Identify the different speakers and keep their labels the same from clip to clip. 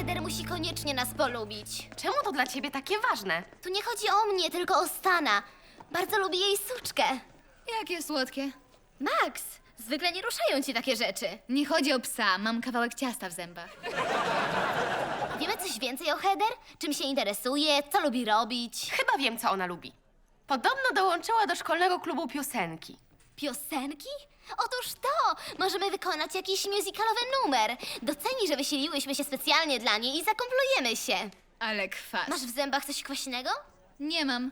Speaker 1: Heather musi koniecznie nas polubić.
Speaker 2: Czemu to dla ciebie takie ważne?
Speaker 1: Tu nie chodzi o mnie, tylko o Stana. Bardzo lubię jej suczkę.
Speaker 3: Jakie słodkie.
Speaker 1: Max, zwykle nie ruszają ci takie rzeczy.
Speaker 3: Nie chodzi o psa, mam kawałek ciasta w zębach.
Speaker 1: Wiemy coś więcej o Heather? Czym się interesuje? Co lubi robić?
Speaker 2: Chyba wiem, co ona lubi. Podobno dołączyła do szkolnego klubu piosenki.
Speaker 1: Piosenki? Otóż to! Możemy wykonać jakiś musicalowy numer. Doceni, że wysiliłyśmy się specjalnie dla niej i zakomplujemy się.
Speaker 3: Ale kwas.
Speaker 1: Masz w zębach coś kwaśnego?
Speaker 3: Nie mam.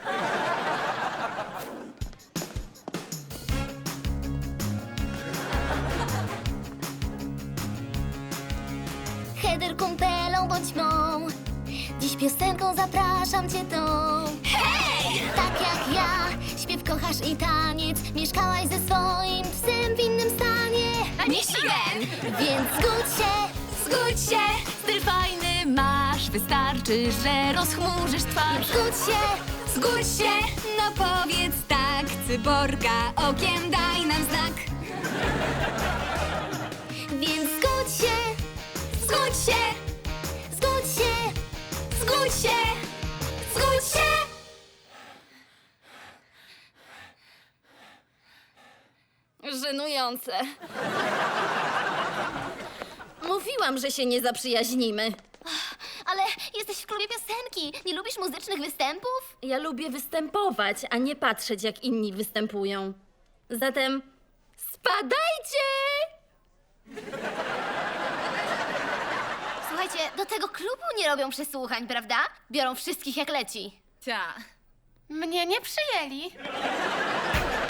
Speaker 1: Heather, kumpelą bądź mą. Dziś piosenką zapraszam cię tą. Hej! Tak jak ja, śpiew kochasz i taniec. Mieszkałaś ze swoim psem w innym stanie.
Speaker 3: Michigan!
Speaker 1: Więc
Speaker 3: Zgódź się! Styl fajny masz, wystarczy, że rozchmurzysz twarz. Zgódź się! No powiedz tak, cyborga, okiem daj nam znak.
Speaker 1: Więc zgódź się,
Speaker 3: Zgódź się!
Speaker 1: zgódź się.
Speaker 3: Zgódź się! Zgódź się!
Speaker 4: Żenujące. Mówiłam, że się nie zaprzyjaźnimy.
Speaker 1: Ale jesteś w klubie piosenki. Nie lubisz muzycznych występów?
Speaker 4: Ja lubię występować, a nie patrzeć, jak inni występują. Zatem spadajcie!
Speaker 1: Słuchajcie, do tego klubu nie robią przesłuchań, prawda? Biorą wszystkich jak leci.
Speaker 3: Ta.
Speaker 2: Mnie nie przyjęli.